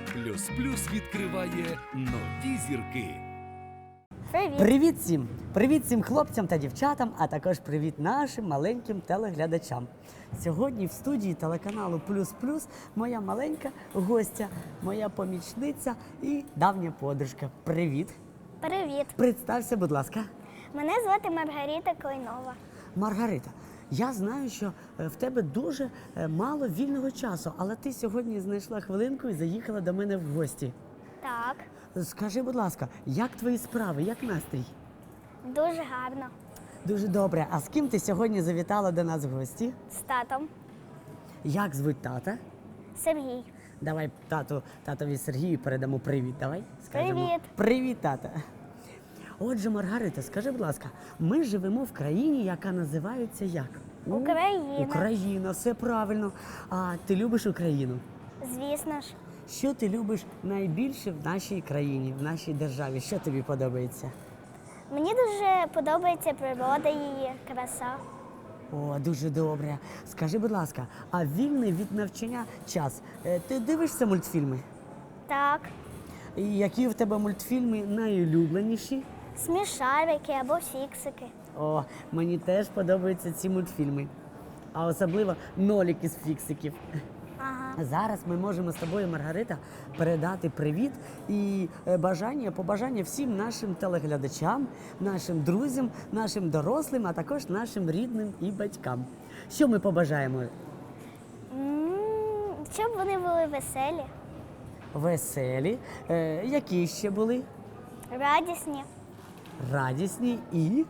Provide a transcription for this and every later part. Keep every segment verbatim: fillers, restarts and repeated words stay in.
Плюс Плюс відкриває нові зірки. Привіт! Привіт всім! Привіт всім хлопцям та дівчатам, а також привіт нашим маленьким телеглядачам. Сьогодні в студії телеканалу Плюс Плюс моя маленька гостя, моя помічниця і давня подружка. Привіт! Привіт! Представся, будь ласка. Мене звати Маргарита Клейнова. Маргарита, я знаю, що е, в тебе дуже е, мало вільного часу, але ти сьогодні знайшла хвилинку і заїхала до мене в гості. Так, Скажи, будь ласка, як твої справи, як настрій? дуже гарно. Дуже добре. А з ким ти сьогодні завітала до нас в гості? З татом. Як звуть тата? Сергій. Давай тату, татові Сергію передамо привіт. Давай скажемо. Привіт. Привіт, тата. Отже, Маргарита, скажи, будь ласка, ми живемо в країні, яка називається як? У- Україна. Україна, все правильно. А ти любиш Україну? Звісно ж, Що ти любиш найбільше в нашій країні, в нашій державі? Що тобі подобається? мені дуже подобається природа її, краса. О, дуже добре. Скажи, будь ласка, а вільний від навчання час? е, Ти дивишся мультфільми? Так, І які в тебе мультфільми найулюбленіші? смішарики або фіксики. О, мені теж подобаються ці мультфільми. А особливо нолік із фіксиків. Ага. Зараз ми можемо з тобою, Маргарита, передати привіт і е, бажання, побажання всім нашим телеглядачам, нашим друзям, нашим дорослим, а також нашим рідним і батькам. Що ми побажаємо? М, Щоб вони були веселі, Веселі, е, які ще були? радісні, Радісні і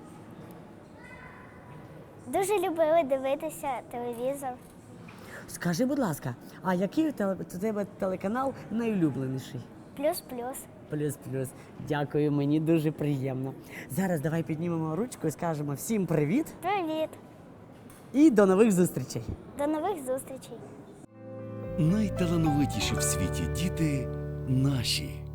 дуже любили дивитися телевізор. скажи, будь ласка, а який у теле- у тебе телеканал найулюбленіший? Плюс-плюс. Плюс-плюс. Дякую, мені дуже приємно. Зараз давай піднімемо ручку і скажемо всім привіт Привіт! і до нових зустрічей. До нових зустрічей! Найталановитіші в світі діти наші.